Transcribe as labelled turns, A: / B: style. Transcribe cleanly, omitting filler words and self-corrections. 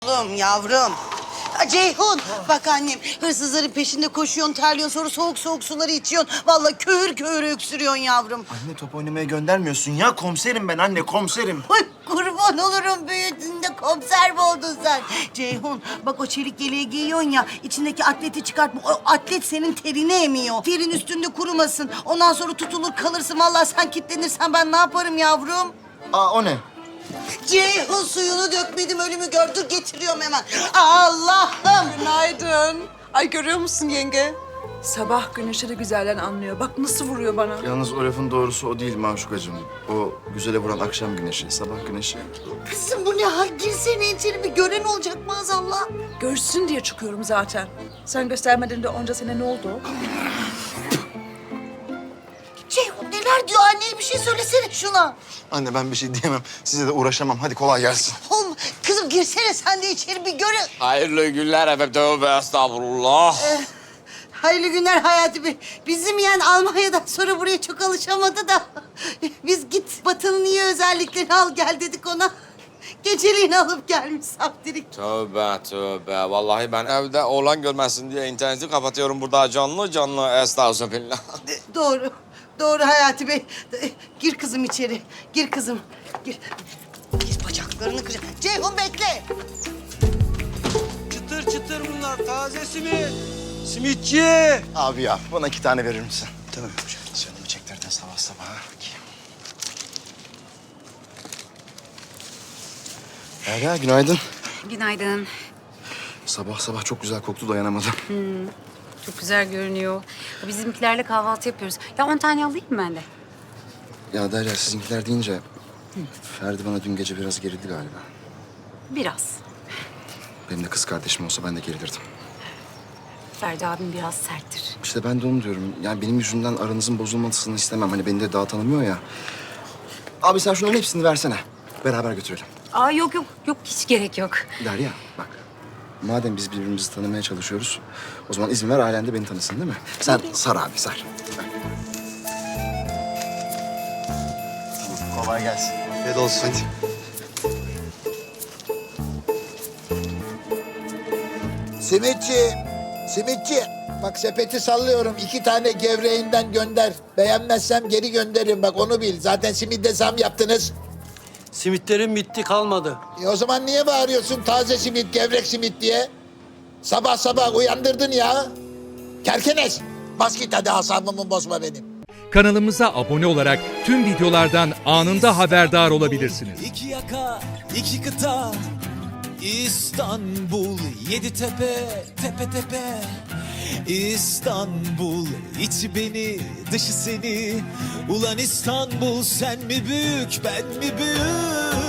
A: Oğlum yavrum. Ceyhun bak annem hırsızların peşinde koşuyorsun, terliyorsun, sonra soğuk soğuk suları içiyorsun. Vallahi köhür köhür öksürüyorsun yavrum.
B: Anne top oynamaya göndermiyorsun ya. Komiserim ben anne, komiserim.
A: Ay kurban olurum, büyüdüğünde komiser mi oldun sen? Ceyhun bak o çelik yeleği giyiyorsun ya, içindeki atleti çıkartma. O atlet senin terini emiyor. Terin üstünde kurumasın. Ondan sonra tutulur kalırsın. Vallahi sen kilitlenirsen ben ne yaparım yavrum?
B: Aa o ne?
A: Ceyhun suyunu dökmedim, ölümü gördür getiriyorum hemen. Allah'ım.
C: Günaydın. Ay görüyor musun yenge? Sabah güneşi de güzelden anlıyor. Bak nasıl vuruyor bana.
B: Yalnız o lafın doğrusu o değil Maşukacığım. O güzele vuran akşam güneşi, sabah güneşi.
A: Kızım bu ne hal? Girsene içeri, bir gören olacak maazallah.
C: Görsün diye çıkıyorum zaten. Sen göstermeden de onca sene ne oldu?
A: Ceyhun neler diyor anneye, bir şey söylesene şuna.
B: Anne ben bir şey diyemem. Size de uğraşamam. Hadi kolay gelsin.
A: Oğlum kızım girsene sen de içeri, bir görün.
D: Hayırlı günler efendim. Tövbe estağfurullah.
A: Hayırlı günler Hayati Bey. Bizim yeğen Almanya'dan sonra buraya çok alışamadı da. Biz git Batı'nın iyi özelliklerini al gel dedik ona. Geceliğini alıp gelmiş saftirik.
D: Tövbe tövbe. Vallahi ben evde oğlan görmesin diye interneti kapatıyorum burada canlı canlı. Estağfurullah.
A: Doğru. Doğru Hayati Bey. Gir kızım içeri. Gir kızım. Gir. Gir bacaklarını kıracağım. Ceyhun bekle.
E: Çıtır çıtır bunlar, taze simit. Simitçi.
B: Abi ya bana 2 tane verir misin? Tamam. Canımı çektirdin sabah sabah. Derya günaydın.
F: Günaydın.
B: Sabah sabah çok güzel koktu, dayanamadım.
F: Çok güzel görünüyor. Bizimkilerle kahvaltı yapıyoruz. Ya 10 tane alayım mı ben de?
B: Ya Derya sizinkiler deyince Ferdi bana dün gece biraz gerildi galiba.
F: Biraz.
B: Benim de kız kardeşim olsa ben de gerilirdim.
F: Ferdi abim biraz serttir.
B: İşte ben de onu diyorum. Yani benim yüzümden aranızın bozulmasını istemem. Hani beni de daha tanımıyor ya. Abi sen şunların hepsini versene. Beraber götürelim.
F: Aa yok yok yok hiç gerek yok.
B: Derya bak. Madem biz birbirimizi tanımaya çalışıyoruz, o zaman izin ver ailen de beni tanısın değil mi? Sen sar abi sar. Tamam, kolay gelsin. Afiyet olsun. Hadi.
G: Simitçi, simitçi. Bak sepeti sallıyorum. 2 tane gevreğinden gönder. Beğenmezsem geri gönderirim. Bak onu bil. Zaten simitte zam yaptınız.
E: Simitlerim bitti, kalmadı.
G: O zaman niye bağırıyorsun taze simit, gevrek simit diye? Sabah sabah uyandırdın ya. Kerkenes. Bas git hadi, asabımı bozma benim.
H: Kanalımıza abone olarak tüm videolardan anında haberdar olabilirsiniz.
I: İki yaka, iki kıta, İstanbul, 7 tepe, tepe tepe. İstanbul, içi beni, dışı seni. Ulan İstanbul, sen mi büyük, ben mi büyük?